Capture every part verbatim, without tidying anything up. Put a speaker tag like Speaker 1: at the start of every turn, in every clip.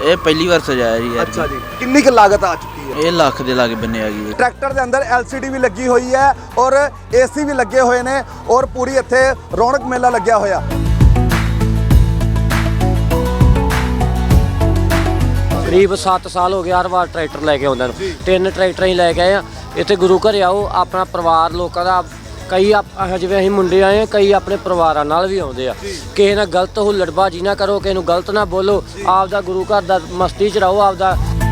Speaker 1: ਇਹ ਪਹਿਲੀ ਵਾਰ ਸਜਾਇਆ ਜੀ।
Speaker 2: ਅੱਛਾ ਜੀ, ਕਿੰਨੀ ਕੁ ਲਾਗਤ ਆ ਚੁੱਕੀ ਹੈ?
Speaker 1: ਇਹ ਲੱਖ ਦੇ ਲਾਗੇ ਬੰਨੇ ਆ ਗਈ।
Speaker 2: ਟਰੈਕਟਰ ਦੇ ਅੰਦਰ ਐਲ ਸੀ ਡੀ ਵੀ ਲੱਗੀ ਹੋਈ ਹੈ ਔਰ ਏ ਸੀ ਵੀ ਲੱਗੇ ਹੋਏ ਨੇ ਔਰ ਪੂਰੀ ਇੱਥੇ ਰੌਣਕ ਮੇਲਾ ਲੱਗਿਆ ਹੋਇਆ।
Speaker 3: करीब सत्त साल हो गए हर बार ट्रैक्टर लैके आउंदे ने तीन ट्रैक्टर ही लैके आए हैं इत्थे गुरु घर आओ अपना परिवार लोगों का कई जिवें असीं मुंडे आए हैं कई अपने परिवारां नाल भी आउंदे आ किसी नाल गलत हुल्लड़बाजी ना करो किसी नूं गलत ना बोलो आपदा गुरु घर दा मस्ती च रहो आपदा।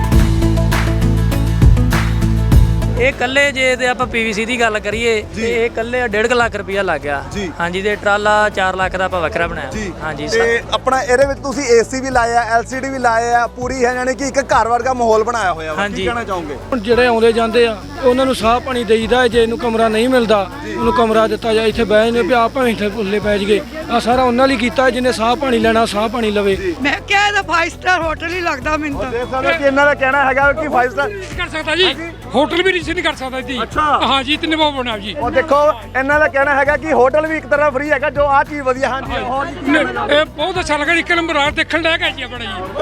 Speaker 4: ਇਹ ਕੱਲੇ ਜੇ ਤੇ ਆਪਾਂ ਪੀ ਵੀ ਸੀ ਦੀ ਗੱਲ ਕਰੀਏ ਤੇ ਇਹ ਕੱਲੇ ਡੇਢ ਲੱਖ ਰੁਪਇਆ ਲੱਗ ਗਿਆ। ਹਾਂਜੀ ਤੇ ਟਰਾਲਾ ਚਾਰ ਲੱਖ ਦਾ ਆਪਾਂ ਵੱਖਰਾ ਬਣਾਇਆ। ਹਾਂਜੀ
Speaker 2: ਤੇ ਆਪਣਾ ਇਹਦੇ ਵਿੱਚ ਤੁਸੀਂ ਏ ਸੀ ਵੀ ਲਾਇਆ ਐਲ ਸੀ ਡੀ ਵੀ ਲਾਇਆ ਆ ਪੂਰੀ ਹੈ ਯਾਨੀ ਕਿ ਇੱਕ ਘਰ ਵਰਗਾ ਮਾਹੌਲ ਬਣਾਇਆ ਹੋਇਆ ਵਾ। ਕੀ ਕਹਿਣਾ ਚਾਹੋਗੇ?
Speaker 5: ਹੁਣ ਜਿਹੜੇ ਆਉਂਦੇ ਜਾਂਦੇ ਆ ਉਹਨਾਂ ਨੂੰ ਸਾਹ ਪਾਣੀ ਦੇਈਦਾ ਜੇ ਇਹਨੂੰ ਕਮਰਾ ਨਹੀਂ ਮਿਲਦਾ ਉਹਨੂੰ ਕਮਰਾ ਦਿੱਤਾ ਜਾ ਇੱਥੇ ਬਹਿ ਜਾਂਦੇ ਵੀ ਆਪ ਭਾਵੇਂ ਇੱਥੇ ਉੱਲੇ ਪੈ ਜਗੇ ਆ ਸਾਰਾ ਉਹਨਾਂ ਲਈ ਕੀਤਾ ਜਿਹਨੇ ਸਾਹ ਪਾਣੀ ਲੈਣਾ ਸਾਹ ਪਾਣੀ ਲਵੇ।
Speaker 6: ਮੈਂ ਕਿਹਾ ਇਹਦਾ ਫਾਈਵ ਸਟਾਰ ਹੋਟਲ ਹੀ ਲੱਗਦਾ ਮੈਨੂੰ ਤਾਂ।
Speaker 2: ਦੇਖ ਸਕਦੇ ਕਿ ਇਹਨਾਂ ਦਾ ਕਹਿਣਾ ਹੈਗਾ ਕਿ ਫਾਈਵ ਸਟਾਰ
Speaker 5: ਕਰ ਸਕਦਾ ਜੀ ਹੋਟਲ ਵੀ ਨਹੀਂ ਕਰ ਸਕਦਾ ਜੀ।
Speaker 2: ਅੱਛਾ
Speaker 5: ਹਾਂ ਜੀ ਇਤਨੇ ਬਹੁਤ ਬਣਾ ਜੀ।
Speaker 2: ਉਹ ਦੇਖੋ ਇਹਨਾਂ ਦਾ ਕਹਿਣਾ ਹੈਗਾ ਕਿ ਹੋਟਲ ਵੀ ਇੱਕ ਤਰ੍ਹਾਂ ਫ੍ਰੀ ਹੈਗਾ ਜੋ ਆ ਚੀਜ਼ ਵਧੀਆ। ਹਾਂਜੀ ਹੋਰ ਕੀ
Speaker 5: ਇਹ ਬਹੁਤ ਅੱਛਾ ਲੱਗਾ ਇੱਕ ਨੰਬਰ ਆ ਦੇਖਣ ਲੈ ਗਿਆ ਜੀ ਆਪਣਾ ਜੀ।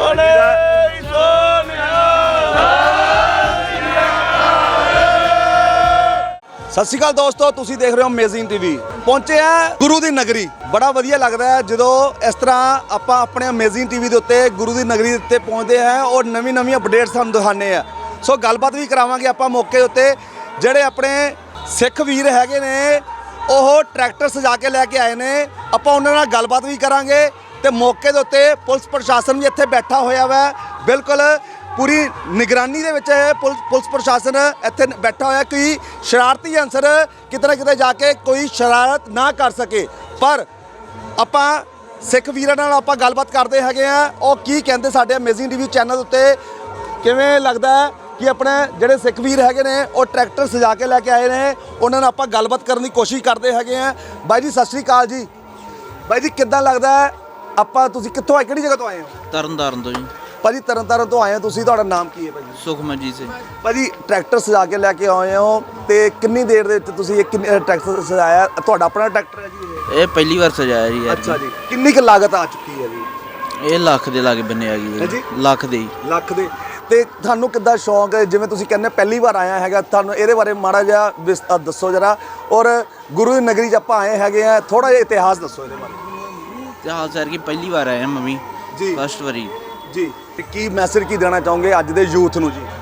Speaker 2: ਸਤਿ ਸ਼੍ਰੀ ਅਕਾਲ ਦੋਸਤੋ, ਤੁਸੀਂ ਦੇਖ ਰਹੇ ਹੋ ਅਮੇਜ਼ਿੰਗ ਟੀਵੀ। ਪਹੁੰਚੇ ਆ ਗੁਰੂ ਦੀ ਨਗਰੀ। ਬੜਾ ਵਧੀਆ ਲੱਗਦਾ ਹੈ ਜਦੋਂ ਇਸ ਤਰ੍ਹਾਂ ਆਪਾਂ ਆਪਣੇ ਅਮੇਜ਼ਿੰਗ ਟੀਵੀ ਦੇ ਉੱਤੇ ਗੁਰੂ ਦੀ ਨਗਰੀ ਦੇ ਉੱਤੇ ਪਹੁੰਚਦੇ ਹਾਂ ਔਰ ਨਵੀਂ ਨਵੀਂ ਅਪਡੇਟਸ ਤੁਹਾਨੂੰ ਦਿਖਾਉਂਦੇ ਆ। ਸੋ ਗੱਲਬਾਤ ਵੀ ਕਰਾਵਾਂਗੇ ਆਪਾਂ ਮੌਕੇ ਉੱਤੇ ਜਿਹੜੇ ਆਪਣੇ ਸਿੱਖ ਵੀਰ ਹੈਗੇ ਨੇ ਉਹ ਟਰੈਕਟਰ ਸਜਾ ਕੇ ਲੈ ਕੇ ਆਏ ਨੇ। ਆਪਾਂ ਉਹਨਾਂ ਨਾਲ ਗੱਲਬਾਤ ਵੀ ਕਰਾਂਗੇ ਤੇ ਮੌਕੇ ਦੇ ਉੱਤੇ ਪੁਲਿਸ ਪ੍ਰਸ਼ਾਸਨ ਵੀ ਇੱਥੇ ਬੈਠਾ ਹੋਇਆ ਵਾ। ਬਿਲਕੁਲ ਪੂਰੀ ਨਿਗਰਾਨੀ ਦੇ ਵਿੱਚ ਪੁਲਿਸ ਪੁਲਿਸ ਪ੍ਰਸ਼ਾਸਨ ਇੱਥੇ ਬੈਠਾ ਹੋਇਆ ਕਿ ਸ਼ਰਾਰਤੀ ਅਨਸਰ ਕਿਤੇ ਨਾ ਕਿਤੇ ਜਾ ਕੇ ਕੋਈ ਸ਼ਰਾਰਤ ਨਾ ਕਰ ਸਕੇ। ਪਰ ਆਪਾਂ ਸਿੱਖ ਵੀਰਾਂ ਨਾਲ ਆਪਾਂ ਗੱਲਬਾਤ ਕਰਦੇ ਹੈਗੇ ਆ ਉਹ ਕੀ ਕਹਿੰਦੇ ਸਾਡੇ ਅਮੇਜ਼ਿੰਗ ਟੀਵੀ ਚੈਨਲ ਉੱਤੇ ਕਿਵੇਂ ਲੱਗਦਾ ਹੈ ਕਿ ਆਪਣੇ ਜਿਹੜੇ ਸਿੱਖ ਵੀਰ ਹੈਗੇ ਨੇ ਉਹ ਟਰੈਕਟਰ ਸਜਾ ਕੇ ਲੈ ਕੇ ਆਏ ਨੇ। ਉਹਨਾਂ ਨਾਲ ਆਪਾਂ ਗੱਲਬਾਤ ਕਰਨ ਦੀ ਕੋਸ਼ਿਸ਼ ਕਰਦੇ ਹੈਗੇ ਆ। ਬਾਈ ਜੀ ਸਤਿ ਸ਼੍ਰੀ ਅਕਾਲ ਜੀ। ਬਾਈ ਜੀ ਕਿੱਦਾਂ ਲੱਗਦਾ ਹੈ ਆਪਾਂ ਤੁਸੀਂ ਕਿੱਥੋਂ ਆਏ ਕਿਹੜੀ ਜਗ੍ਹਾ ਤੋਂ ਆਏ ਹੋ?
Speaker 1: ਤਰਨਤਾਰਨ ਤੋਂ ਜੀ।
Speaker 2: ਭਾਜੀ ਤਰਨਤਾਰਨ ਤੋਂ ਆਏ ਹੋ ਤੁਸੀਂ, ਤੁਹਾਡਾ ਨਾਮ ਕੀ ਹੈ ਭਾਜੀ?
Speaker 1: ਸੁਖਮਨਜੀਤ ਸਿੰਘ।
Speaker 2: ਭਾਜੀ ਟਰੈਕਟਰ ਸਜਾ ਕੇ ਲੈ ਕੇ ਆਏ ਹੋ ਤੇ ਕਿੰਨੀ ਦੇਰ ਦੇ ਵਿੱਚ ਤੁਸੀਂ ਇਹ ਕਿੰਨੇ ਟਰੈਕਟਰ ਸਜਾਇਆ? ਤੁਹਾਡਾ ਆਪਣਾ ਟਰੈਕਟਰ ਹੈ ਜੀ
Speaker 1: ਇਹ ਪਹਿਲੀ ਵਾਰ ਸਜਾਇਆ ਜੀ।
Speaker 2: ਅੱਛਾ ਜੀ, ਕਿੰਨੀ ਕੁ ਲਾਗਤ ਆ ਚੁੱਕੀ ਹੈ ਜੀ?
Speaker 1: ਇਹ ਲੱਖ ਦੇ ਲਾਗੇ ਬੰਨੇ ਆ ਗਈ। ਲੱਖ ਦੇ
Speaker 2: ਲੱਖ ਦੇ। ਤੇ ਤੁਹਾਨੂੰ ਕਿੱਦਾਂ ਸ਼ੌਂਕ ਹੈ ਜਿਵੇਂ ਤੁਸੀਂ ਕਹਿੰਦੇ ਪਹਿਲੀ ਵਾਰ ਆਇਆ ਹੈਗਾ ਤੁਹਾਨੂੰ ਇਹਦੇ ਬਾਰੇ ਮਾੜਾ ਜਿਹਾ ਦੱਸੋ ਜਰਾ। ਔਰ ਗੁਰੂ ਦੀ ਨਗਰੀ 'ਚ ਆਪਾਂ ਆਏ ਹੈਗੇ ਆ ਥੋੜਾ ਜਿਹਾ ਇਤਿਹਾਸ ਦੱਸੋ ਇਹਦੇ ਬਾਰੇ।
Speaker 1: ਇਤਿਹਾਸ ਸਰ ਕੀ ਪਹਿਲੀ ਵਾਰ ਆਏ ਮੰਮੀ
Speaker 2: ਜੀ
Speaker 1: ਫਸਟ ਵਾਰੀ
Speaker 2: ਜੀ। ਤੇ ਕੀ ਮੈਸੇਜ ਕੀ ਦੇਣਾ ਚਾਹੋਗੇ ਅੱਜ ਦੇ ਯੂਥ ਨੂੰ ਜੀ?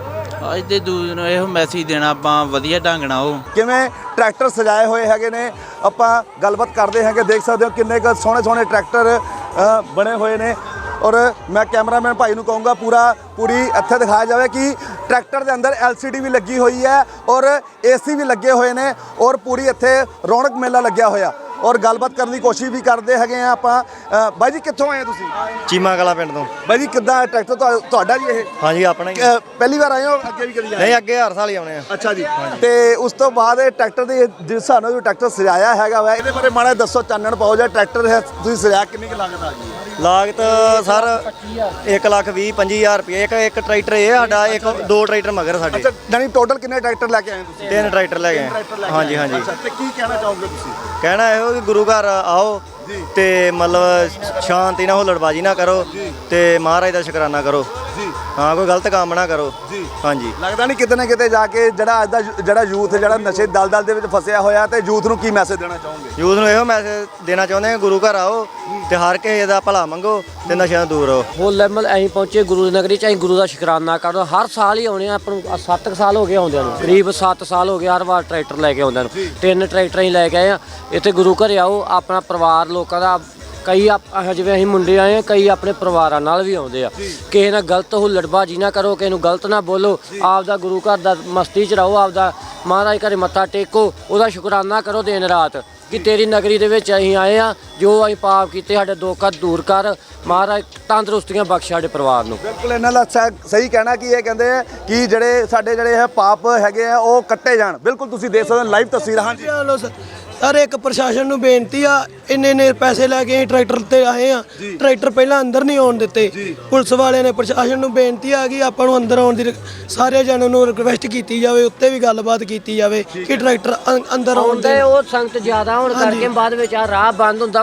Speaker 1: ਅੱਜ ਦੇ ਦੂਜ ਨੂੰ ਇਹੋ ਮੈਸੇਜ ਦੇਣਾ ਆਪਾਂ ਵਧੀਆ ਢੰਗ ਨਾਲ ਉਹ
Speaker 2: ਕਿਵੇਂ ਟਰੈਕਟਰ ਸਜਾਏ ਹੋਏ ਹੈਗੇ ਨੇ ਆਪਾਂ ਗੱਲਬਾਤ ਕਰਦੇ ਹੈਗੇ। ਦੇਖ ਸਕਦੇ ਹੋ ਕਿੰਨੇ ਕੁ ਸੋਹਣੇ ਸੋਹਣੇ ਟਰੈਕਟਰ ਬਣੇ ਹੋਏ ਨੇ। ਔਰ ਮੈਂ ਕੈਮਰਾਮੈਨ ਭਾਈ ਨੂੰ ਕਹੂੰਗਾ ਪੂਰਾ ਪੂਰੀ ਇੱਥੇ ਦਿਖਾਇਆ ਜਾਵੇ ਕਿ ਟਰੈਕਟਰ ਦੇ ਅੰਦਰ ਐਲ ਸੀ ਡੀ ਵੀ ਲੱਗੀ ਹੋਈ ਹੈ ਔਰ ਏ ਸੀ ਵੀ ਲੱਗੇ ਹੋਏ ਨੇ ਔਰ ਪੂਰੀ ਇੱਥੇ ਰੌਣਕ ਮੇਲਾ ਲੱਗਿਆ ਹੋਇਆ। ਔਰ ਗੱਲਬਾਤ ਕਰਨ ਦੀ ਕੋਸ਼ਿਸ਼ ਵੀ ਕਰਦੇ ਹੈਗੇ ਆ ਆਪਾਂ। ਬਾਈ ਜੀ ਕਿੱਥੋਂ ਆਏ ਤੁਸੀਂ?
Speaker 7: ਚੀਮਾ ਕਲਾ ਪਿੰਡ ਤੋਂ।
Speaker 2: ਬਾਈ ਜੀ ਕਿੱਦਾਂ ਟਰੈਕਟਰ ਤੁਹਾਡਾ ਜੀ ਇਹ?
Speaker 7: ਹਾਂਜੀ ਆਪਣਾ ਹੀ।
Speaker 2: ਪਹਿਲੀ ਵਾਰ ਆਏ ਹੋ ਅੱਗੇ ਵੀ ਕਦੀ ਆਏ?
Speaker 7: ਨਹੀਂ ਅੱਗੇ ਹਰ ਸਾਲ ਹੀ ਆਉਣੇ ਆ।
Speaker 2: ਅੱਛਾ ਜੀ। ਤੇ ਉਸ ਤੋਂ ਬਾਅਦ ਇਹ ਟਰੈਕਟਰ ਦੇ ਜਿਸ ਹਿਸਾਬ ਨਾਲ ਟਰੈਕਟਰ ਸਜਾਇਆ ਹੈਗਾ ਵਾ ਇਹਦੇ ਬਾਰੇ ਮਾੜਾ ਦੱਸੋ, ਚਾਨਣ ਪਾਓ। ਜਾਂ ਟਰੈਕਟਰ ਹੈ ਤੁਸੀਂ ਸਜਾਇਆ ਕਿੰਨੀ ਕੁ ਲਾਗਤ ਆ ਗਈ?
Speaker 7: ਲਾਗਤ ਸਰ ਇੱਕ ਲੱਖ ਵੀਹ ਪੰਜੀ ਹਜ਼ਾਰ ਰੁਪਏ। ਇੱਕ ਇੱਕ ਟਰੈਕਟਰ ਇਹ ਸਾਡਾ, ਇੱਕ ਦੋ ਟਰੈਕਟਰ ਮਗਰ ਸਾਡੇ।
Speaker 2: ਅੱਛਾ, ਯਾਨੀ ਟੋਟਲ ਕਿੰਨੇ ਟਰੈਕਟਰ ਲੈ ਕੇ ਆਏ ਤੁਸੀਂ?
Speaker 7: ਤਿੰਨ ਟਰੈਕਟਰ ਲੈ ਗਏ। ਹਾਂਜੀ ਹਾਂਜੀ।
Speaker 2: ਤੇ ਕੀ ਕਹਿਣਾ ਚਾਹੋਗੇ ਤੁਸੀਂ?
Speaker 7: ਕਹਿਣਾ ਇਹੋ ਕਿ ਗੁਰੂ ਘਰ ਆਓ ਤੇ ਮਤਲਬ ਸ਼ਾਂਤੀ ਨਾਲ ਹੁੱਲੜਬਾਜੀ ਨਾ ਕਰੋ ਤੇ ਮਹਾਰਾਜ ਦਾ ਸ਼ੁਕਰਾਨਾ ਕਰੋ ਜੀ। ਹਾਂ ਕੋਈ ਗਲਤ ਕੰਮ ਨਾ ਕਰੋ ਜੀ। ਹਾਂਜੀ
Speaker 2: ਲੱਗਦਾ ਨਹੀਂ ਕਿਤੇ ਨਾ ਕਿਤੇ ਜਾ ਕੇ ਜਿਹੜਾ ਅੱਜ ਦਾ ਜਿਹੜਾ ਯੂਥ ਜਿਹੜਾ ਨਸ਼ੇ ਦਲਦਲ ਦੇ ਵਿੱਚ ਫਸਿਆ ਹੋਇਆ ਤੇ ਯੂਥ ਨੂੰ ਕੀ ਮੈਸੇਜ ਦੇਣਾ ਚਾਹੋਗੇ?
Speaker 7: ਯੂਥ ਨੂੰ ਇਹੋ ਮੈਸੇਜ ਦੇਣਾ ਚਾਹੁੰਦੇ ਹਾਂ ਗੁਰੂ ਘਰ ਆਓ ਤੇ ਹਰ ਕਿਸੇ ਦਾ ਭਲਾ ਮੰਗੋ ਤੇ ਨਸ਼ਿਆਂ ਤੋਂ ਦੂਰ ਰਹੋ।
Speaker 3: ਹੋ ਲੈਵਲ ਅਸੀਂ ਪਹੁੰਚੇ ਗੁਰੂ ਦੀ ਨਗਰੀ ਚ। ਅਸੀਂ ਗੁਰੂ ਦਾ ਸ਼ੁਕਰਾਨਾ ਕਰੋ। ਹਰ ਸਾਲ ਹੀ ਆਉਣੇ ਆ ਆਪਾਂ ਨੂੰ। ਸੱਤ ਸਾਲ ਹੋ ਗਏ ਆਉਂਦਿਆਂ ਨੂੰ। ਕਰੀਬ ਸੱਤ ਸਾਲ ਹੋ ਗਏ ਹਰ ਵਾਰ ਟਰੈਕਟਰ ਲੈ ਕੇ ਆਉਂਦਿਆਂ ਨੂੰ। ਤਿੰਨ ਟਰੈਕਟਰ ਹੀ ਲੈ ਕੇ ਆਏ ਆ। ਇੱਥੇ ਗੁਰੂ ਘਰ ਆਓ ਆਪਣਾ ਪਰਿਵਾਰ ਲੋਕਾਂ ਦਾ ਕਈ ਜਿਵੇਂ ਅਸੀਂ ਮੁੰਡੇ ਆਏ ਆ ਕਈ ਆਪਣੇ ਪਰਿਵਾਰਾਂ ਨਾਲ ਵੀ ਆਉਂਦੇ ਆ ਕਿਸੇ ਨਾਲ ਗਲਤ ਹੁੱਲੜਬਾਜੀ ਨਾ ਕਰੋ ਕਿਸੇ ਨੂੰ ਗਲਤ ਨਾ ਬੋਲੋ ਆਪਦਾ ਗੁਰੂ ਘਰ ਦਾ ਮਸਤੀ 'ਚ ਰਹੋ ਆਪਦਾ ਮਹਾਰਾਜ ਘਰੇ ਮੱਥਾ ਟੇਕੋ ਉਹਦਾ ਸ਼ੁਕਰਾਨਾ ਕਰੋ ਦਿਨ ਰਾਤ ਕਿ ਤੇਰੀ ਨਗਰੀ ਦੇ ਵਿੱਚ ਅਸੀਂ ਆਏ ਆ ਜੋ ਅਸੀਂ ਪਾਪ ਕੀਤੇ ਸਾਡੇ ਦੁੱਖ ਦੂਰ ਕਰ ਮਹਾਰਾਜ ਤੰਦਰੁਸਤੀਆਂ ਬਖਸ਼ ਸਾਡੇ ਪਰਿਵਾਰ ਨੂੰ।
Speaker 2: ਬਿਲਕੁਲ ਇਹਨਾਂ ਦਾ ਸਹੀ ਕਹਿਣਾ ਕਿ ਇਹ ਕਹਿੰਦੇ ਆ ਕਿ ਜਿਹੜੇ ਸਾਡੇ ਜਿਹੜੇ ਹੈ ਪਾਪ ਹੈਗੇ ਆ ਉਹ ਕੱਟੇ ਜਾਣ। ਬਿਲਕੁਲ ਤੁਸੀਂ ਦੇਖ ਸਕਦੇ ਹੋ ਲਾਈਵ ਤਸਵੀਰਾਂ। ਹਾਂਜੀ
Speaker 8: ਸਰ ਇੱਕ ਪ੍ਰਸ਼ਾਸਨ ਨੂੰ ਬੇਨਤੀ ਆ ਇੰਨੇ ਇੰਨੇ ਪੈਸੇ ਲੈ ਕੇ ਟਰੈਕਟਰ ਤੇ ਆਏ ਆ ਟਰੈਕਟਰ ਪਹਿਲਾਂ ਅੰਦਰ ਨਹੀਂ ਆਉਣ ਦਿੱਤੇ ਪੁਲਿਸ ਵਾਲਿਆਂ ਨੇ। ਪ੍ਰਸ਼ਾਸਨ ਨੂੰ ਬੇਨਤੀ ਆ ਕਿ ਆਪਾਂ ਨੂੰ ਅੰਦਰ ਆਉਣ ਦੀ ਸਾਰੇ ਜਣਾਂ ਨੂੰ ਰਿਕਵੈਸਟ ਕੀਤੀ ਜਾਵੇ ਉੱਤੇ ਵੀ ਗੱਲਬਾਤ ਕੀਤੀ ਜਾਵੇ ਕਿ ਟਰੈਕਟਰ ਅੰਦਰ ਆਉਣ ਦੇ।
Speaker 3: ਉਹ ਸੰਗਤ ਜ਼ਿਆਦਾ ਹੋਣ ਕਰਕੇ ਬਾਅਦ ਵਿੱਚ ਆ ਰਾਹ ਬੰਦ ਹੁੰਦਾ ਵਾ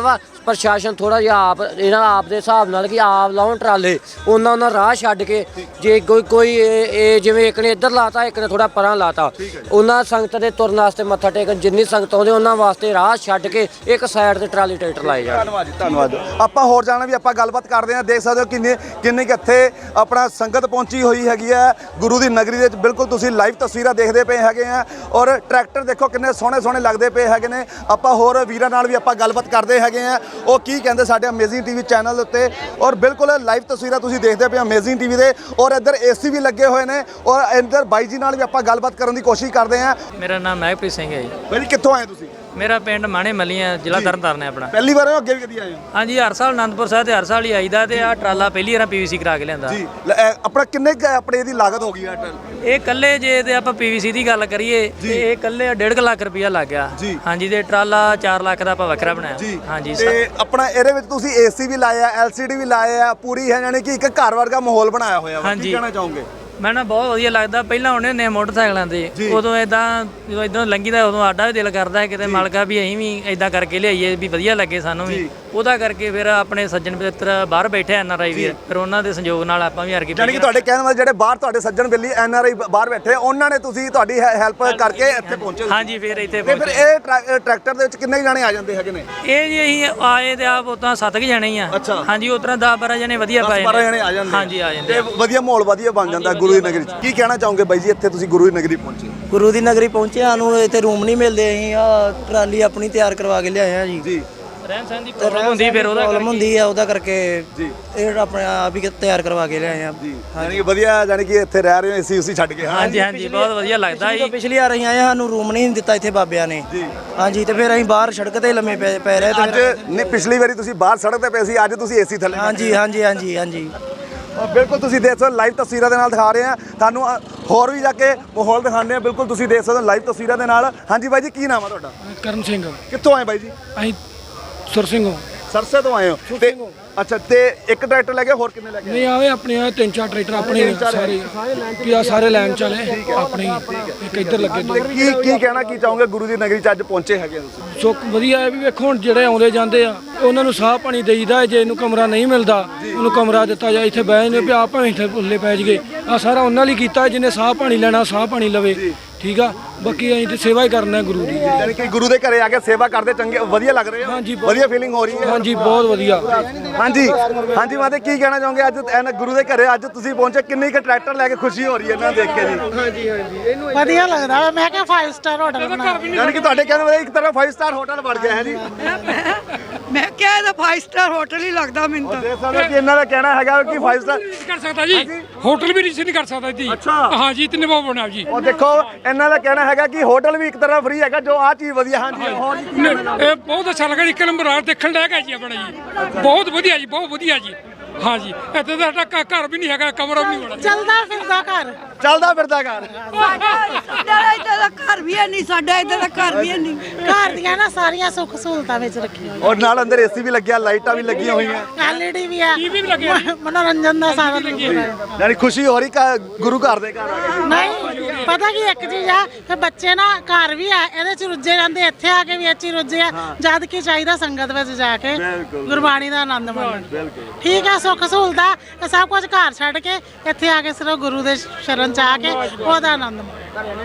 Speaker 3: ਪ੍ਰਸ਼ਾਸਨ ਥੋੜਾ ਜਿਹਾ ਆਪ ਇਹਨਾਂ ਆਪ ਦੇ ਹਿਸਾਬ ਨਾਲ ਕਿ ਆਪ ਲਾਉਣ ਟਰਾਲੇ ਉਹਨਾਂ ਉਹਨਾਂ ਰਾਹ ਛੱਡ ਕੇ ਜੇ ਕੋਈ ਕੋਈ ਇਹ ਇਹ ਜਿਵੇਂ ਇੱਕ ਨੇ ਇੱਧਰ ਲਾਤਾ ਇੱਕ ਨੇ ਥੋੜਾ ਪਰਾਂ ਲਾਤਾ ਉਹਨਾਂ ਸੰਗਤ ਦੇ ਤੁਰਨ ਵਾਸਤੇ ਮੱਥਾ ਟੇਕਣ ਜਿੰਨੀ ਸੰਗਤ ਆਉਂਦੇ ਉਹਨਾਂ ਵਾਸਤੇ ਰਾਹ ਛੱਡ ਕੇ ਇੱਕ ਸਾਈਡ ਤੇ ਟਰਾਲੀ ਟਰੈਕਟਰ ਲਾਏ ਜਾਣ।
Speaker 2: ਧੰਨਵਾਦ ਜੀ ਧੰਨਵਾਦ। ਆਪਾਂ ਹੋਰ ਜਾਣਾ ਵੀ ਆਪਾਂ ਗੱਲਬਾਤ ਕਰਦੇ ਹਾਂ। ਦੇਖ ਸਕਦੇ ਹੋ ਕਿੰਨੇ ਕਿੰਨੇ ਕੁ ਇੱਥੇ ਆਪਣਾ ਸੰਗਤ ਪਹੁੰਚੀ ਹੋਈ ਹੈਗੀ ਹੈ ਗੁਰੂ ਦੀ ਨਗਰੀ ਦੇ ਵਿੱਚ। ਬਿਲਕੁਲ ਤੁਸੀਂ ਲਾਈਵ ਤਸਵੀਰਾਂ ਦੇਖਦੇ ਪਏ ਹੈਗੇ ਆ ਔਰ ਟਰੈਕਟਰ ਦੇਖੋ ਕਿੰਨੇ ਸੋਹਣੇ ਸੋਹਣੇ ਲੱਗਦੇ ਪਏ ਹੈਗੇ ਨੇ। ਆਪਾਂ ਹੋਰ ਵੀਰਾਂ ਨਾਲ ਵੀ ਆਪਾਂ ਗੱਲਬਾਤ ਕਰਦੇ ਹੈਗੇ ਆ ਉਹ ਕੀ ਕਹਿੰਦੇ ਸਾਡੇ ਅਮੇਜ਼ਿੰਗ ਟੀਵੀ ਚੈਨਲ ਉੱਤੇ। ਔਰ ਬਿਲਕੁਲ ਲਾਈਵ ਤਸਵੀਰਾਂ ਤੁਸੀਂ ਦੇਖਦੇ ਪਏ ਅਮੇਜ਼ਿੰਗ ਟੀਵੀ ਦੇ ਔਰ ਇੱਧਰ ਏਸੀ ਵੀ ਲੱਗੇ ਹੋਏ ਨੇ ਔਰ ਇੱਧਰ ਬਾਈ ਜੀ ਨਾਲ ਵੀ ਆਪਾਂ ਗੱਲਬਾਤ ਕਰਨ ਦੀ ਕੋਸ਼ਿਸ਼ ਕਰਦੇ ਹਾਂ।
Speaker 4: ਮੇਰਾ ਨਾਮ ਮਹਿਕਪ੍ਰੀਤ ਸਿੰਘ ਹੈ ਜੀ।
Speaker 2: ਬਾਈ ਜੀ ਕਿੱਥੋਂ ਆਏ ਤੁਸੀਂ?
Speaker 4: ਮੇਰਾ ਪਿੰਡ ਮਾਣੇ ਮੱਲੀਆਂ ਜ਼ਿਲ੍ਹਾ ਤਰਨਤਾਰਨ ਹੈ ਆਪਣਾ।
Speaker 2: ਪਹਿਲੀ ਵਾਰ ਹੋ ਅੱਗੇ ਵੀ ਕਦੀ ਆਏ ਹੋ?
Speaker 4: ਹਾਂਜੀ ਹਰ ਸਾਲ ਆਨੰਦਪੁਰ ਸਾਹਿਬ ਤੇ ਹਰ ਸਾਲ ਹੀ ਆਈਦਾ ਤੇ ਆ ਟਰਾਲਾ ਪਹਿਲੀ ਵਾਰ ਪੀਵੀਸੀ ਕਰਾ ਕੇ ਲਿਆਂਦਾ
Speaker 2: ਜੀ ਲੈ, ਇਹ ਆਪਣਾ ਕਿੰਨੇ ਕੁ ਆਪਣੇ ਇਹਦੀ ਲਾਗਤ ਹੋ ਗਈ ਹੈ?
Speaker 4: ਇਹ ਕੱਲੇ ਜੇ ਤੇ ਆਪਾਂ ਪੀਵੀਸੀ ਦੀ ਗੱਲ ਕਰੀਏ ਤੇ ਇਹ ਕੱਲੇ ਡੇਢ ਲੱਖ ਰੁਪਇਆ ਲੱਗ ਗਿਆ।
Speaker 2: ਜੀ।
Speaker 4: ਹਾਂਜੀ ਤੇ ਟਰਾਲਾ ਚਾਰ ਲੱਖ ਦਾ ਆਪਾਂ ਵੱਖਰਾ ਬਣਾਇਆ। ਹਾਂਜੀ
Speaker 2: ਤੇ ਆਪਣਾ ਇਹਦੇ ਵਿੱਚ ਤੁਸੀਂ ਏਸੀ ਵੀ ਲਾਇਆ ਐਲਸੀਡੀ ਵੀ ਲਾਇਆ ਪੂਰੀ ਹੈ ਯਾਨੀ ਕਿ ਇੱਕ ਘਰ ਵਰਗਾ ਮਾਹੌਲ ਬਣਾਇਆ ਹੋਇਆ ਵਾ। ਕੀ ਕਹਿਣਾ ਚਾਹੋਗੇ?
Speaker 4: ਮੈਂ ਨਾ ਬਹੁਤ ਵਧੀਆ ਲੱਗਦਾ। ਪਹਿਲਾਂ ਆਉਂਦੇ ਹੁੰਦੇ ਮੋਟਰਸਾਈਕਲਾਂ ਤੇ ਉਦੋਂ ਇਦਾਂ ਜਦੋਂ ਇਦਾਂ ਲੰਘੀਦਾ ਉਦੋਂ ਆਡਾ ਵੀ ਦਿਲ ਕਰਦਾ ਹੈ ਕਿਤੇ ਮਾਲਕਾ ਵੀ ਅਸੀਂ ਵੀ ਇਦਾਂ ਕਰਕੇ ਲਿਆਈਏ ਵੀ ਵਧੀਆ ਲੱਗੇ ਸਾਨੂੰ ਵੀ। ਉਹਦਾ ਕਰਕੇ ਫਿਰ ਆਪਣੇ ਸੱਜਣ ਮਿੱਤਰ ਬਾਹਰ ਬੈਠੇ ਐਨ ਆਰ ਆਈ ਵੀਰ ਫਿਰ ਉਹਨਾਂ ਦੇ ਸੰਯੋਗ ਨਾਲ ਆਪਾਂ ਵੀ ਹਰ ਕੇ
Speaker 2: ਯਾਨੀ ਕਿ ਤੁਹਾਡੇ ਕਹਿਣ ਵਾਲੇ ਜਿਹੜੇ ਬਾਹਰ ਤੁਹਾਡੇ ਸੱਜਣ ਬੇਲੀ ਐਨ ਆਰ ਆਈ ਬਾਹਰ ਬੈਠੇ ਉਹਨਾਂ ਨੇ ਤੁਸੀਂ ਤੁਹਾਡੀ ਹੈਲਪ ਕਰਕੇ ਇੱਥੇ ਪਹੁੰਚੇ।
Speaker 4: ਹਾਂਜੀ ਫਿਰ ਇੱਥੇ
Speaker 2: ਤੇ ਫਿਰ ਇਹ ਟਰੈਕਟਰ ਦੇ ਵਿੱਚ ਕਿੰਨੇ ਜਾਣੇ ਆ ਜਾਂਦੇ ਹੈਗੇ ਨੇ?
Speaker 4: ਇਹ ਜੀ ਅਸੀਂ ਆਏ ਤੇ ਆਪ ਉਤਾਂ ਸੱਤ ਕੁ ਜਾਣੇ ਹੀ ਆ। ਹਾਂਜੀ ਉਤਰਾ ਦਸ ਬਾਰਾਂ ਜਣੇ ਵਧੀਆ ਪਾਏ
Speaker 2: ਬਾਰਾਂ ਜਣੇ ਆ ਜਾਂਦੇ।
Speaker 4: ਹਾਂਜੀ ਆ ਜਾਂਦੇ
Speaker 2: ਤੇ ਵਧੀਆ ਮਾਹੌਲ ਵਧੀਆ ਬਣ ਜਾਂਦਾ ਗੁਰੂ ਦੀ ਨਗਰੀ 'ਚ। ਕੀ ਕਹਿਣਾ ਚਾਹੋਗੇ ਬਾਈ ਜੀ ਇੱਥੇ ਤੁਸੀਂ ਗੁਰੂ ਦੀ ਨਗਰੀ ਪਹੁੰਚੇ?
Speaker 9: ਗੁਰੂ ਦੀ ਨਗਰੀ ਪਹੁੰਚੇ ਸਾਨੂੰ ਇੱਥੇ ਰੂਮ ਨਹੀਂ ਮਿਲਦੇ। ਅਸੀਂ ਆ ਟਰਾਲੀ ਆਪਣੀ ਤਿਆਰ ਕਰਵਾ ਕੇ ਲਿਆਏ ਆ ਜੀ।
Speaker 2: ਜੀ
Speaker 4: ਰਹਿਣ ਸਹਿਣ ਦੀ ਪ੍ਰੋਬਲਮ ਹੁੰਦੀ ਫਿਰ ਉਹਦਾ
Speaker 9: ਪ੍ਰੋਬਲਮ ਹੁੰਦੀ ਆ ਉਹਦਾ ਕਰਕੇ ਜੀ ਇਹ ਆਪਣੇ ਆਪ ਹੀ ਤਿਆਰ ਕਰਵਾ ਕੇ ਲਿਆਏ ਆ
Speaker 2: ਜੀ। ਯਾਨੀ ਕਿ ਵਧੀਆ ਯਾਨੀ ਕਿ ਇੱਥੇ ਰਹਿ ਰਹੇ ਹੋ ਏਸੀ ਉਸੀ ਛੱਡ ਕੇ।
Speaker 4: ਹਾਂਜੀ ਹਾਂਜੀ ਬਹੁਤ ਵਧੀਆ ਲੱਗਦਾ ਜੀ।
Speaker 9: ਪਿਛਲੀ ਵਾਰ ਅਸੀਂ ਆਏ ਸਾਨੂੰ ਰੂਮ ਨਹੀਂ ਦਿੱਤਾ ਇੱਥੇ ਬਾਬਿਆਂ ਨੇ ਜੀ। ਹਾਂਜੀ ਤੇ ਫਿਰ ਅਸੀਂ ਬਾਹਰ ਸੜਕ ਤੇ ਲੰਮੇ ਪੈ ਪੈ ਰਹੇ
Speaker 2: ਅੱਜ ਨਹੀਂ ਪਿਛਲੀ ਵਾਰੀ ਤੁਸੀਂ ਬਾਹਰ ਸੜਕ ਤੇ ਪਏ ਸੀ ਅੱਜ ਤੁਸੀਂ ਏਸੀ ਥੱਲੇ।
Speaker 9: ਹਾਂਜੀ ਹਾਂਜੀ ਹਾਂਜੀ ਹਾਂਜੀ
Speaker 2: ਬਿਲਕੁਲ ਤੁਸੀਂ ਦੇਖ ਸਕਦੇ ਹੋ ਲਾਈਵ ਤਸਵੀਰਾਂ ਦੇ ਨਾਲ ਦਿਖਾ ਰਹੇ ਆ ਤੁਹਾਨੂੰ ਹੋਰ ਵੀ ਜਾ ਕੇ ਮਾਹੌਲ ਦਿਖਾਉਂਦੇ ਆ। ਬਿਲਕੁਲ ਤੁਸੀਂ ਦੇਖ ਸਕਦੇ ਹੋ ਲਾਈਵ ਤਸਵੀਰਾਂ ਦੇ ਨਾਲ। ਹਾਂਜੀ ਬਾਈ ਜੀ ਕੀ ਨਾਮ ਆ ਤੁਹਾਡਾ?
Speaker 5: ਕਰਨ ਸਿੰਘ।
Speaker 2: ਕਿੱਥੋਂ ਆਏ ਬਾਈ ਜੀ?
Speaker 5: ਅਸੀਂ ਸੁਰ ਸਿੰਘੋਂ
Speaker 2: ਸਰਸੇ ਤੋਂ ਆਏ ਹੋ ਤੇ ਅੱਛਾ ਤੇ ਇੱਕ ਟਰੈਕਟਰ ਲੈ ਕੇ ਹੋਰ ਕਿੰਨੇ ਲੈ ਕੇ?
Speaker 5: ਨਹੀਂ ਆਵੇ ਆਪਣੇ ਆ ਤਿੰਨ ਚਾਰ ਟਰੈਕਟਰ ਆਪਣੇ ਸਾਰੇ ਕੀ ਆ ਸਾਰੇ ਲਾਈਨ ਚਲੇ ਆਪਣੇ ਇੱਕ ਇੱਧਰ ਲੱਗੇ
Speaker 2: ਤੇ ਕੀ ਕੀ ਕਹਿਣਾ ਕੀ ਚਾਹੋਗੇ ਗੁਰੂ ਦੀ ਨਗਰੀ 'ਚ ਅੱਜ ਪਹੁੰਚੇ ਹੈਗੇ ਤੁਸੀਂ?
Speaker 5: ਸੋ ਵਧੀਆ ਹੈ ਵੀ ਵੇਖੋ ਹੁਣ ਜਿਹੜੇ ਆਉਂਦੇ ਜਾਂਦੇ ਆ ਉਹਨਾਂ ਨੂੰ ਸਾਹ ਪਾਣੀ ਦੇਈਦਾ। ਜੇ ਇਹਨੂੰ ਕਮਰਾ ਨਹੀਂ ਮਿਲਦਾ ਉਹਨੂੰ ਕਮਰਾ ਦਿੱਤਾ ਜਾਏ ਇੱਥੇ ਬਹਿ ਜਾਂਦੇ ਵੀ ਆਪ ਭਾਵੇਂ ਇੱਥੇ ਉੱਲੇ ਪੈ ਜਗੇ। ਆ ਸਾਰਾ ਉਹਨਾਂ ਲਈ ਕੀਤਾ ਜਿਹਨੇ ਸਾਹ ਪਾਣੀ ਲੈਣਾ ਸਾਹ ਪਾਣੀ ਲਵੇ। ਠੀਕ ਆ ਬਾਕੀ ਅਸੀਂ ਤੇ ਸੇਵਾ ਹੀ ਕਰਨਾ ਗੁਰੂ ਦੀ।
Speaker 2: ਯਾਨੀ ਕਿ ਗੁਰੂ ਦੇ ਘਰੇ ਆ ਕੇ ਸੇਵਾ ਕਰਦੇ ਚੰਗੇ ਵਧੀਆ ਲੱਗ ਰਹੇ ਹੋ?
Speaker 5: ਹਾਂਜੀ
Speaker 2: ਵਧੀਆ ਫੀਲਿੰਗ ਹੋ ਰਹੀ ਹੈ?
Speaker 5: ਹਾਂਜੀ ਬਹੁਤ ਵਧੀਆ।
Speaker 2: ਹਾਂਜੀ ਹਾਂਜੀ ਮਾਤੇ ਕੀ ਕਹਿਣਾ ਚਾਹੋਗੇ ਅੱਜ ਐਨ ਗੁਰੂ ਦੇ ਘਰੇ ਅੱਜ ਤੁਸੀਂ ਪਹੁੰਚੇ ਕਿੰਨੀ ਕੁ ਟਰੈਕਟਰ ਲੈ ਕੇ ਖੁਸ਼ੀ ਹੋ ਰਹੀ ਹੈ ਇਹਨਾਂ ਦੇਖ ਕੇ ਜੀ?
Speaker 6: ਹਾਂਜੀ ਹਾਂਜੀ ਵਧੀਆ ਲੱਗਦਾ ਵਾ। ਮੈਂ ਕਿਹਾ ਫਾਈਵ ਸਟਾਰ ਹੋਟਲ ਬਣਾ।
Speaker 2: ਯਾਨੀ ਕਿ ਤੁਹਾਡੇ ਕਹਿਣ ਵਾਲੇ ਇੱਕ ਤਰ੍ਹਾਂ ਫਾਈਵ ਸਟਾਰ ਹੋਟਲ ਬਣ ਗਿਆ ਹੈ ਜੀ।
Speaker 6: ਮੈਂ ਕਿਹਾ ਇਹਦਾ ਫਾਈਵ ਸਟਾਰ ਹੋਟਲ ਹੀ ਲੱਗਦਾ ਮੈਨੂੰ ਤਾਂ।
Speaker 2: ਦੇਖ ਸਕਦੇ ਕਿ ਇਹਨਾਂ ਦਾ ਕਹਿਣਾ ਹੈਗਾ ਕਿ ਫਾਈਵ ਸਟਾਰ
Speaker 5: ਕਰ ਸਕਦਾ ਜੀ ਹੋਟਲ ਵੀ ਨਹੀਂ ਕਰ ਸਕਦਾ ਜੀ।
Speaker 2: ਅੱਛਾ
Speaker 5: ਹਾਂਜੀ ਇਤਨੇ ਬਹੁਤ ਬਣਾ ਜੀ।
Speaker 2: ਉਹ ਦੇਖੋ ਇਹਨਾਂ ਦਾ ਕਹਿਣਾ ਹੈਗਾ ਕਿ ਹੋਟਲ ਵੀ ਇੱਕ ਤਰ੍ਹਾਂ ਫ੍ਰੀ ਹੈਗਾ ਜੋ ਆ ਚੀਜ਼ ਵਧੀਆ। ਹਾਂਜੀ ਹੋਰ
Speaker 5: ਇਹ ਬਹੁਤ ਅੱਛਾ ਲੱਗਾ। ਇੱਕ ਨੰਬਰ ਆ ਦੇਖਣ ਲਾਇਕ ਹੈ ਜੀ ਆਪਣਾ ਜੀ। ਬਹੁਤ ਵਧੀਆ ਜੀ ਬਹੁਤ ਵਧੀਆ ਜੀ। ਹਾਂਜੀ ਇੱਥੇ ਤਾਂ ਸਾਡਾ ਘਰ ਵੀ ਨਹੀਂ ਹੈਗਾ ਕਮਰਾ ਵੀ ਨਹੀਂ ਹੋਣਾ।
Speaker 6: ਚੱਲਦਾ ਫਿਰਦਾ ਘਰ
Speaker 2: ਚੱਲਦਾ ਫਿਰਦਾ ਘਰ।
Speaker 6: ਸਾਡਾ ਇੱਧਰ ਦਾ ਘਰ ਵੀ ਹੈ ਨਹੀਂ। ਸਾਡਾ ਇੱਧਰ ਦਾ ਘਰ ਵੀ ਹੈ ਨਹੀਂ। ਘਰ ਦੀਆਂ ਨਾ ਸਾਰੀਆਂ ਸੁੱਖ ਸਹੂਲਤਾਂ ਵਿੱਚ ਰੱਖੀਆਂ।
Speaker 2: ਔਰ ਨਾਲ ਅੰਦਰ ਏਸੀ ਵੀ ਲੱਗਿਆ ਲਾਈਟਾਂ ਵੀ ਲੱਗੀਆਂ ਹੋਈਆਂ
Speaker 6: ਐਲਈਡੀ ਵੀ ਹੈ ਮਨੋਰੰਜਨ ਦਾ ਸਾਰਾ
Speaker 2: ਯਾਨੀ ਖੁਸ਼ੀ ਹੋ ਰਹੀ ਗੁਰੂ ਘਰ ਦੇ ਘਰ ਆ ਕੇ।
Speaker 6: ਨਹੀਂ ਪਤਾ ਕੀ ਇੱਕ ਚੀਜ਼ ਆ ਕਿ ਬੱਚੇ ਨਾ ਘਰ ਵੀ ਆ ਇਹਦੇ ਚ ਰੁੱਝੇ ਰਹਿੰਦੇ ਇੱਥੇ ਆ ਕੇ ਵੀ ਇੱਥੇ ਰੁੱਝੇ ਆ। ਜਦ ਕੀ ਚਾਹੀਦਾ ਸੰਗਤ ਵਿੱਚ ਜਾ ਕੇ ਗੁਰਬਾਣੀ ਦਾ ਆਨੰਦ ਮਾਣਨ। ਠੀਕ ਆ ਸੁੱਖ ਸਹੂਲਤਾਂ ਇਹ ਸਭ ਕੁਝ ਘਰ ਛੱਡ ਕੇ ਇੱਥੇ ਆ ਕੇ ਸਿਰਫ ਗੁਰੂ ਦੇ ਸ਼ਰਨ ਚ ਆ ਕੇ ਉਹਦਾ ਆਨੰਦ ਮਾਣਨ।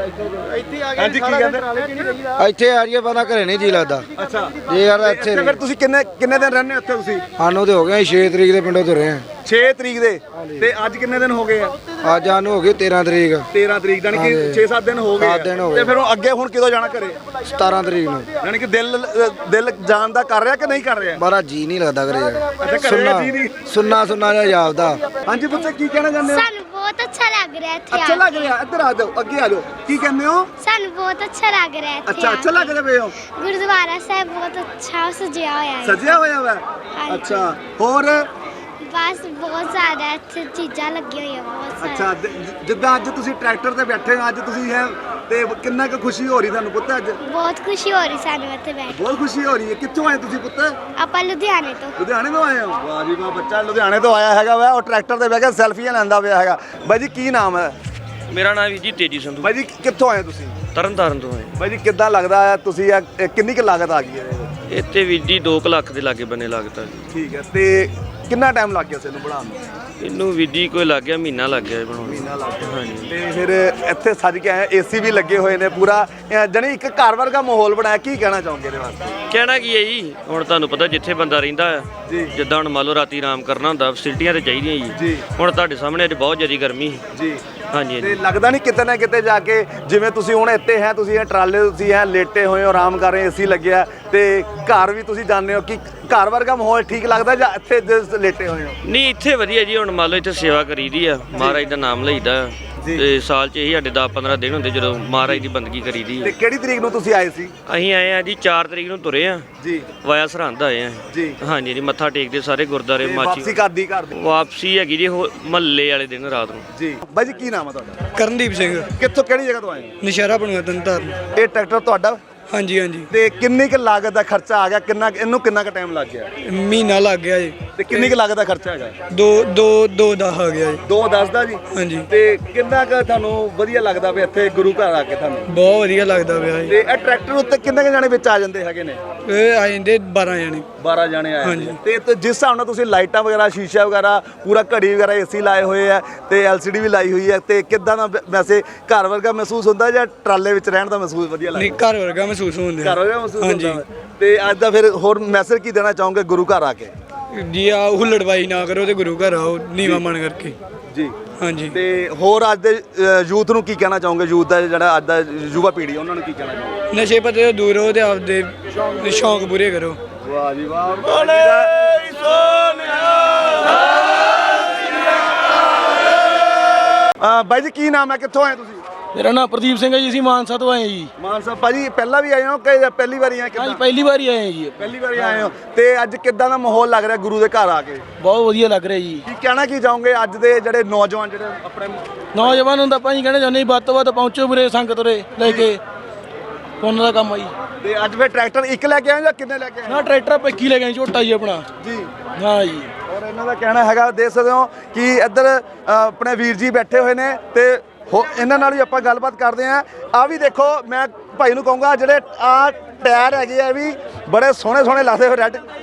Speaker 2: ਹਾਂਜੀ ਕੀ ਕਹਿੰਦੇ?
Speaker 10: ਇੱਥੇ ਆ ਜੀਏ ਪਤਾ ਘਰੇ ਨਹੀਂ ਜੀ ਲੱਗਦਾ।
Speaker 2: ਅੱਛਾ
Speaker 10: ਜੇ ਯਾਰ ਇੱਥੇ
Speaker 2: ਫਿਰ ਤੁਸੀਂ ਕਿੰਨੇ ਕਿੰਨੇ ਦਿਨ ਰਹਿੰਦੇ ਉੱਥੇ ਤੁਸੀਂ?
Speaker 10: ਸਾਨੂੰ ਤੇ ਹੋ ਗਿਆ ਛੇ ਤਰੀਕ ਦੇ ਪਿੰਡੋਂ ਤੁਰੇ ਆ।
Speaker 2: ਛੇ ਤਰੀਕ ਦੇ ਤੇ ਅੱਜ ਕਿੰਨੇ ਦਿਨ ਹੋ ਗਏ ਆ?
Speaker 10: ਅੱਜ ਸਾਨੂੰ ਹੋ ਗਈ ਤੇਰਾਂ ਤਰੀਕ।
Speaker 2: ਤੇਰਾਂ ਤਰੀਕ ਯਾਨੀ ਕਿ ਛੇ ਸੱਤ ਦਿਨ ਹੋ ਗਏ।
Speaker 10: ਸੱਤ ਦਿਨ ਹੋ
Speaker 2: ਤੇ
Speaker 10: ਗਏ।
Speaker 2: ਫਿਰ ਉਹ ਅੱਗੇ ਹੁਣ ਕਿਦੋਂ ਜਾਣਾ ਘਰੇ?
Speaker 10: ਸਤਾਰਾਂ ਤਰੀਕ ਨੂੰ।
Speaker 2: ਯਾਨੀ ਕਿ ਦਿਲ ਦਿਲ ਜਾਣ ਦਾ ਕਰ ਰਿਹਾ ਕਿ ਨਹੀਂ ਕਰ ਰਿਹਾ?
Speaker 10: ਬਾਰਾ ਜੀ ਨਹੀਂ ਲੱਗਦਾ ਘਰੇ
Speaker 2: ਅੱਛਾ ਘਰੇ
Speaker 10: ਸੁਣਨਾ
Speaker 2: ਜੀ ਨਹੀਂ।
Speaker 10: ਸੁਣਨਾ ਸੁਣਨਾ ਜਿਹਾ ਜਾਪਦਾ।
Speaker 2: ਹਾਂਜੀ ਪੁੱਤ ਕੀ ਕਹਿਣਾ ਚਾਹੁੰਦੇ ਹੋ?
Speaker 11: ਸਾਨੂੰ ਬਹੁਤ ਅੱਛਾ ਲੱਗ ਰਿਹਾ ਇੱਥੇ
Speaker 2: ਅੱਛਾ ਲੱਗ ਰਿਹਾ। ਇੱਧਰ ਆ ਜਾਓ ਅੱਗੇ ਆ ਜਾਓ। ਕੀ ਕਹਿੰਦੇ ਹੋ?
Speaker 11: ਸਾਨੂੰ ਬਹੁਤ ਅੱਛਾ ਲੱਗ ਰਿਹਾ ਇੱਥੇ
Speaker 2: ਅੱਛਾ ਅੱਛਾ ਲੱਗ ਰਿਹਾ ਪਏ ਹੋ?
Speaker 11: ਗੁਰਦੁਆਰਾ ਸਾਹਿਬ ਬਹੁਤ ਅੱਛਾ ਸਜਿਆ ਹੋਇਆ ਹੈ।
Speaker 2: ਸਜਿਆ ਹੋਇਆ ਵਾ? ਅੱਛਾ ਹੋਰ?
Speaker 11: ਬਸ ਬਹੁਤ ਜ਼ਿਆਦਾ ਇੱਥੇ ਚੀਜ਼ਾਂ ਲੱਗੀਆਂ ਹੋਈਆਂ ਬਹੁਤ ਸਾਰੀਆਂ।
Speaker 2: ਅੱਛਾ ਜ- ਜਿੱਦਾਂ ਅੱਜ ਤੁਸੀਂ ਟਰੈਕਟਰ ਤੇ ਬੈਠੇ ਹੋ ਅੱਜ ਤੁਸੀਂ ਹੈ ਤੇ ਕਿੰਨਾ ਕੁ ਖੁਸ਼ੀ ਹੋ ਰਹੀ ਤੁਹਾਨੂੰ ਪੁੱਤ ਅੱਜ?
Speaker 11: ਬਹੁਤ ਖੁਸ਼ੀ ਹੋ ਰਹੀ ਸਾਨੂੰ ਇੱਥੇ ਬੈਠ ਕੇ।
Speaker 2: ਬਹੁਤ ਖੁਸ਼ੀ ਹੋ ਰਹੀ ਹੈ। ਕਿੱਥੋਂ ਆਏ ਤੁਸੀਂ ਪੁੱਤ?
Speaker 11: ਆਪਾਂ ਲੁਧਿਆਣੇ ਤੋਂ।
Speaker 2: ਲੁਧਿਆਣੇ ਤੋਂ ਆਏ ਹੋ? ਵਾਹ ਜੀ ਵਾਹ ਬੱਚਾ ਲੁਧਿਆਣੇ ਤੋਂ ਆਇਆ ਹੈਗਾ ਵਾ ਉਹ ਟਰੈਕਟਰ ਤੇ ਬਹਿ ਕੇ ਸੈਲਫੀਆਂ ਲੈਂਦਾ ਪਿਆ ਹੈਗਾ। ਬਾਈ ਜੀ ਕੀ ਨਾਮ ਹੈ?
Speaker 12: ਮੇਰਾ ਨਾਮ ਜੀ ਤੇਜੀ ਸੰਧੂ।
Speaker 2: ਬਾਈ ਜੀ ਕਿੱਥੋਂ ਆਏ ਤੁਸੀਂ?
Speaker 12: ਤਰਨਤਾਰਨ ਤੋਂ ਆਏ।
Speaker 2: ਬਾਈ ਜੀ ਕਿੱਦਾਂ ਲੱਗਦਾ ਹੈ ਤੁਸੀਂ ਇਹ ਕਿੰਨੀ ਕੁ ਲਾਗਤ ਆ ਗਈ ਹੈ ਇਹਦੇ ਵਿੱਚ?
Speaker 12: ਇੱਥੇ ਵੀਰ ਜੀ ਦੋ ਕੁ ਲੱਖ ਦੇ ਲਾਗੇ ਬੰਨੇ ਲੱਗਦਾ ਜੀ।
Speaker 2: ਠੀਕ ਹੈ ਤੇ ਕਿੰਨਾ ਟਾਈਮ ਲੱਗ ਗਿਆ ਸੀ ਇਹਨੂੰ ਬਣਾਉਣ ਨੂੰ?
Speaker 12: ਇਹਨੂੰ ਵੀਰ ਜੀ ਕੋਈ ਲੱਗ ਗਿਆ ਮਹੀਨਾ ਲੱਗ ਗਿਆ ਬਣਾਉਣ ਨੂੰ।
Speaker 2: ਮਹੀਨਾ ਲੱਗ ਗਿਆ।
Speaker 12: ਹਾਂਜੀ
Speaker 2: ਤੇ ਫਿਰ ਇੱਥੇ ਸੱਜ ਕੇ ਆਏ ਏਸੀ ਵੀ ਲੱਗੇ ਹੋਏ ਨੇ ਪੂਰਾ ਅਹ ਜਾਣੀ ਇੱਕ ਘਰ ਵਰਗਾ ਮਾਹੌਲ ਬਣਾਇਆ। ਕੀ ਕਹਿਣਾ ਚਾਹੋਗੇ ਇਹਦੇ ਵਾਸਤੇ?
Speaker 12: ਕਹਿਣਾ ਕੀ ਹੈ ਜੀ, ਹੁਣ ਤੁਹਾਨੂੰ ਪਤਾ ਜਿੱਥੇ ਬੰਦਾ ਰਹਿੰਦਾ ਆ
Speaker 2: ਜੀ।
Speaker 12: ਜਿੱਦਾਂ ਹੁਣ ਮੰਨ ਲਓ ਰਾਤੀ ਆਰਾਮ ਕਰਨਾ ਹੁੰਦਾ, ਫੈਸਿਲਿਟੀਆਂ ਤੇ ਚਾਹੀਦੀਆਂ ਜੀ।
Speaker 2: ਜੀ।
Speaker 12: ਹੁਣ ਤੁਹਾਡੇ ਸਾਹਮਣੇ ਅੱਜ ਬਹੁਤ ਜ਼ਿਆਦਾ ਗਰਮੀ ਸੀ।
Speaker 2: ਜੀ।
Speaker 12: ਹਾਂਜੀ
Speaker 2: ਤੇ
Speaker 12: ਹਾਂਜੀ।
Speaker 2: ਲੱਗਦਾ ਨਹੀਂ ਕਿਤੇ ਨਾ ਕਿਤੇ ਜਾ ਕੇ ਜਿਵੇਂ ਤੁਸੀਂ ਹੁਣ ਇੱਥੇ ਹੈ, ਤੁਸੀਂ ਇਹ ਟਰਾਲੇ ਤੁਸੀਂ ਹੈ ਲੇਟੇ ਹੋਏ ਹੋ, ਆਰਾਮ ਕਰ ਰਹੇ, ਏਸੀ ਲੱਗਿਆ ਤੇ ਘਰ ਵੀ ਤੁਸੀਂ ਜਾਣਦੇ ਹੋ ਕਿ ਘਰ ਵਰਗਾ ਮਾਹੌਲ ਠੀਕ ਲੱਗਦਾ ਜਾਂ ਇੱਥੇ ਜਿਸ ਲੇਟੇ ਹੋਏ ਹੋ?
Speaker 12: ਨਹੀਂ ਇੱਥੇ ਵਧੀਆ ਜੀ, ਹੁਣ ਮੰਨ ਲਓ ਇੱਥੇ ਸੇਵਾ ਕਰੀਦੀ ਆ, ਮਹਾਰਾਜ ਦਾ ਨਾਮ ਲਈਦਾ ਤੇ ਸਾਲ 'ਚ ਇਹੀ ਸਾਡੇ ਦਸ ਪੰਦਰਾਂ ਦਿਨ ਹੁੰਦੇ ਜਦੋਂ ਮਹਾਰਾਜ ਦੀ ਬੰਦਗੀ ਕਰੀਦੀ ਆ।
Speaker 2: ਤੇ ਕਿਹੜੀ ਤਰੀਕ ਨੂੰ ਤੁਸੀਂ ਆਏ ਸੀ?
Speaker 12: ਅਸੀਂ ਆਏ ਆ ਜੀ ਚਾਰ ਤਰੀਕ ਨੂੰ ਤੁਰੇ ਆ
Speaker 2: ਜੀ।
Speaker 12: ਵਾਇਆ ਸਰਹੰਦ ਆਏ ਆ
Speaker 2: ਜੀ।
Speaker 12: ਹਾਂਜੀ ਜੀ, ਮੱਥਾ ਟੇਕਦੇ ਸਾਰੇ ਗੁਰਦਾਰੇ
Speaker 2: ਤੇ
Speaker 12: ਮਾਚੀ।
Speaker 2: ਵਾਪਸੀ ਕਰਦੀ ਘਰ ਦੀ?
Speaker 12: ਵਾਪਸੀ ਹੈਗੀ ਜੀ ਮਹੱਲੇ ਵਾਲੇ ਦਿਨ ਰਾਤ ਨੂੰ।
Speaker 2: ਜੀ। ਬਾਈ ਜੀ ਕੀ ਨਾਮ ਹੈ ਤੁਹਾਡਾ?
Speaker 8: ਕਰਨਦੀਪ ਸਿੰਘ,
Speaker 2: ਕਿੱਥੋਂ ਕਿਹੜੀ ਜਗ੍ਹਾ ਤੋਂ ਆਏ ਹੋ?
Speaker 8: ਨਸ਼ਹਿਰਾ ਬਣਿਆ ਤਨਤਾਰਨ।
Speaker 2: ਇਹ ਟਰੈਕਟਰ ਤੁਹਾਡਾ?
Speaker 8: ਹਾਂਜੀ ਹਾਂਜੀ,
Speaker 2: ਤੇ ਕਿੰਨੀ ਕੁ ਲਾਗਤ ਦਾ ਖਰਚਾ ਆ ਗਿਆ? ਕਿੰਨਾ ਇਹਨੂੰ ਕਿੰਨਾ ਕੁ ਟਾਈਮ ਲੱਗ ਗਿਆ?
Speaker 8: ਮਹੀਨਾ ਲੱਗ ਗਿਆ ਜੀ।
Speaker 2: ਤੇ ਕਿੰਨੀ ਕੁ ਲਾਗਤ ਦਾ ਖਰਚਾ ਹੈਗਾ?
Speaker 8: ਦੋ ਦੋ ਦੋ ਦਸ ਆ ਗਿਆ ਜੀ।
Speaker 2: ਦੋ ਦਸ ਦਾ ਜੀ?
Speaker 8: ਹਾਂਜੀ,
Speaker 2: ਤੇ ਕਿੰਨਾ ਕੁ ਤੁਹਾਨੂੰ ਵਧੀਆ ਲੱਗਦਾ ਵੀ ਇੱਥੇ ਗੁਰੂ ਘਰ ਆ ਕੇ ਤੁਹਾਨੂੰ?
Speaker 8: ਬਹੁਤ ਵਧੀਆ ਲੱਗਦਾ ਪਿਆ ਜੀ।
Speaker 2: ਤੇ ਇਹ ਟਰੈਕਟਰ ਉੱਤੇ ਕਿੰਨੇ ਕੁ ਜਾਣੇ ਵਿੱਚ ਆ ਜਾਂਦੇ ਹੈਗੇ ਨੇ?
Speaker 8: ਇਹ ਆ ਜਾਂਦੇ ਬਾਰਾਂ ਜਣੇ।
Speaker 2: ਬਾਰਾਂ ਜਾਣੇ ਆਏ
Speaker 8: ਹਾਂਜੀ।
Speaker 2: ਨੇ। ਤੇ ਤੇ ਜਿਸ ਹਿਸਾਬ ਨਾਲ ਤੁਸੀਂ ਲਾਈਟਾਂ ਵਗੈਰਾ, ਸ਼ੀਸ਼ਾ ਵਗੈਰਾ, ਪੂਰਾ ਘੜੀ ਵਗੈਰਾ, ਏਸੀ ਲਾਏ ਹੋਏ ਆ ਤੇ ਐਲਸੀਡੀ ਵੀ ਲਾਈ ਹੋਈ ਹੈ, ਤੇ ਕਿੱਦਾਂ ਦਾ ਵ- ਵੈਸੇ ਘਰ ਵਰਗਾ ਮਹਿਸੂਸ ਹੁੰਦਾ ਜਾਂ ਟਰਾਲੇ ਵਿੱਚ ਰਹਿਣ ਦਾ ਮਹਿਸੂਸ ਵਧੀਆ
Speaker 8: ਨਹੀਂ,
Speaker 2: ਲੱਗਦਾ?
Speaker 8: ਘਰ ਵਰਗਾ ਮਹਿਸੂਸ ਹੁੰਦਾ।
Speaker 2: ਘਰ ਵਰਗਾ ਮਹਿਸੂਸ
Speaker 8: ਹਾਂਜੀ।
Speaker 2: ਹੁੰਦਾ ਵਾ। ਤੇ ਅੱਜ ਦਾ ਫਿਰ ਹੋਰ ਮੈਸੇਜ ਕੀ ਦੇਣਾ ਚਾਹੋਗੇ ਗੁਰੂ ਘਰ ਆ ਕੇ?
Speaker 8: ਜੀ ਆ ਹੁੱਲੜਬਾਈ ਨਾ ਕਰੋ ਤੇ ਗੁਰੂ ਘਰ ਆਓ ਨੀਵਾ ਮਨ ਕਰਕੇ।
Speaker 2: ਜੀ।
Speaker 8: ਹਾਂਜੀ।
Speaker 2: ਤੇ ਹੋਰ ਅੱਜ ਦੇ ਯੂਥ ਨੂੰ ਕੀ ਕਹਿਣਾ ਚਾਹੋਗੇ? ਯੂਥ ਦਾ ਜਿਹੜਾ ਅੱਜ ਦਾ ਯੁਵਾ ਪੀੜ੍ਹੀ ਉਹਨਾਂ ਨੂੰ ਕੀ ਕਹਿਣਾ ਚਾਹੋਗੇ?
Speaker 8: ਨਸ਼ੇ ਪੱਤੇ ਤੋਂ ਦੂਰ ਰਹੋ ਤੇ ਆਪਦੇ ਸ਼ੌਂਕ ਪੂਰੇ ਕਰੋ।
Speaker 2: ਵਾਹ ਜੀ ਵਾਹ। ਅ ਬਾਈ ਜੀ ਕੀ ਨਾਮ ਹੈ, ਕਿੱਥੋਂ ਆਏ ਤੁਸੀਂ?
Speaker 9: ਮੇਰਾ ਨਾਮ ਪ੍ਰਦੀਪ ਸਿੰਘ ਹੈ ਜੀ, ਅਸੀਂ ਮਾਨਸਾ ਤੋਂ ਆਏ ਜੀ।
Speaker 2: ਮਾਨਸਾ। ਭਾਜੀ ਪਹਿਲਾਂ ਵੀ ਆਏ ਹੋ ਕਿ ਜਾਂ ਪਹਿਲੀ ਵਾਰੀ ਆਏ?
Speaker 9: ਹਾਂਜੀ,
Speaker 2: ਕਿੱਦਾਂ?
Speaker 9: ਪਹਿਲੀ ਵਾਰੀ ਆਏ ਜੀ।
Speaker 2: ਪਹਿਲੀ ਵਾਰੀ ਆਏ ਹੋ। ਤੇ ਅੱਜ ਕਿੱਦਾਂ ਦਾ ਮਾਹੌਲ ਲੱਗ ਰਿਹਾ ਗੁਰੂ ਦੇ ਘਰ ਆ ਕੇ?
Speaker 9: ਬਹੁਤ ਵਧੀਆ ਲੱਗ ਰਿਹਾ ਜੀ।
Speaker 2: ਕੀ ਕਹਿਣਾ ਕੀ ਚਾਹੋਗੇ ਅੱਜ ਦੇ ਜਿਹੜੇ ਨੌਜਵਾਨ ਜਿਹੜੇ ਆਪਣੇ?
Speaker 9: ਨੌਜਵਾਨ ਨੂੰ ਤਾਂ ਆਪਾਂ ਜੀ ਕਹਿਣਾ ਚਾਹੁੰਦੇ ਜੀ, ਵੱਧ ਤੋਂ ਵੱਧ ਪਹੁੰਚੋ ਵੀਰੇ, ਸੰਗਤ ਉਰੇ ਲੈ ਕੇ ਪੁੰਨ ਦਾ ਕੰਮ ਆ ਜੀ।
Speaker 2: ਤੇ ਅੱਜ ਫਿਰ ਟਰੈਕਟਰ ਇੱਕ ਲੈ ਕੇ ਆਏ ਜਾਂ ਕਿੰਨੇ ਲੈ ਕੇ ਆਏ?
Speaker 9: ਨਾ ਟਰੈਕਟਰ ਆਪਾਂ ਇੱਕੀ ਲੈ ਗਏ ਝੋਟਾ ਜੀ ਆਪਣਾ।
Speaker 2: ਜੀ।
Speaker 9: ਹਾਂ ਜੀ।
Speaker 2: ਔਰ ਇਹਨਾਂ ਦਾ ਕਹਿਣਾ ਹੈਗਾ, ਦੇਖ ਸਕਦੇ ਹੋ ਕਿ ਇੱਧਰ ਅ, ਆਪਣੇ ਵੀਰ ਜੀ ਬੈਠੇ ਹੋਏ ਨੇ ਤੇ ਹੋ ਇਹਨਾਂ ਨਾਲ ਵੀ ਆਪਾਂ ਗੱਲਬਾਤ ਕਰਦੇ ਆਂ। ਆ ਵੀ ਦੇਖੋ, ਮੈਂ ਭਾਈ ਨੂੰ ਕਹੂੰਗਾ ਜਿਹੜੇ ਆ ਟਾਇਰ ਹੈਗੇ ਆ ਵੀ ਬੜੇ ਸੋਹਣੇ ਸੋਹਣੇ ਲੱਗਦੇ ਹੋਏ ਰੈੱਡ